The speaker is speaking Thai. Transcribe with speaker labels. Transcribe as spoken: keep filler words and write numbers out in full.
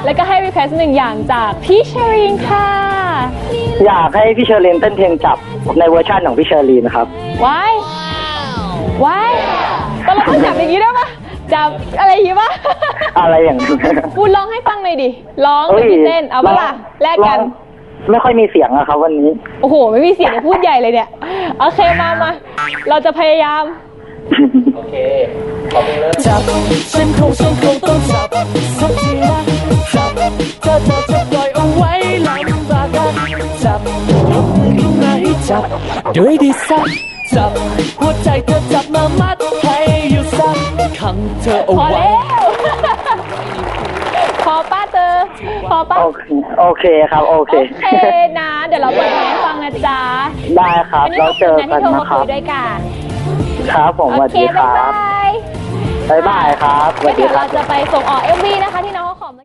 Speaker 1: แล้วก็ให้รีเควสหนึ่งอย่างจากพี่เชอรีนค่ะ
Speaker 2: อยากให้พี่เชอรีนเต้นเพลงจับในเวอร์ชันของพี่เชอรีนครับ
Speaker 1: ว้ายว้ายก็เราต้องจับอย่างนี้ได้ปะจับอะไรอย่างนี้ปะ
Speaker 2: อะไรอย่างนี้
Speaker 1: พูดร้องให้ฟังหน่อยดิร้องเป็นเต้นเอาปะล่ะแลกกัน
Speaker 2: ไม่ค่อยมีเสียงอะครับวันนี้
Speaker 1: โอ้โหไม่มีเสียงพูดใหญ่เลยเนี่ยโอเคมามาเราจะพยายาม
Speaker 2: โอเคขอบคุณเลย
Speaker 3: จับฉันคงฉันคงต้องจับสักทีนะจับเธอเธอจะปล่อยเอาไว้ลำบากกันจับยกมือขึ้นมาให้จับด้วยดีสักจับหัวใจเธอจับมามัดให้อยู่สักขังเธอเอาไว้
Speaker 1: พอป้าเธอพอป้า
Speaker 2: โอเคครับโอเค
Speaker 1: โอเคนะเดี๋ยวเราเปิดเพลงให้ฟังนะจ๊ะ
Speaker 2: ได้ครับเราเจอกันนะครับ
Speaker 1: ด้วยกัน
Speaker 2: ครับผมสวัสดีครับบ๊ายบายครับ
Speaker 1: เดี๋ยวเราจะไปส่งออก เอ็ม วี นะคะ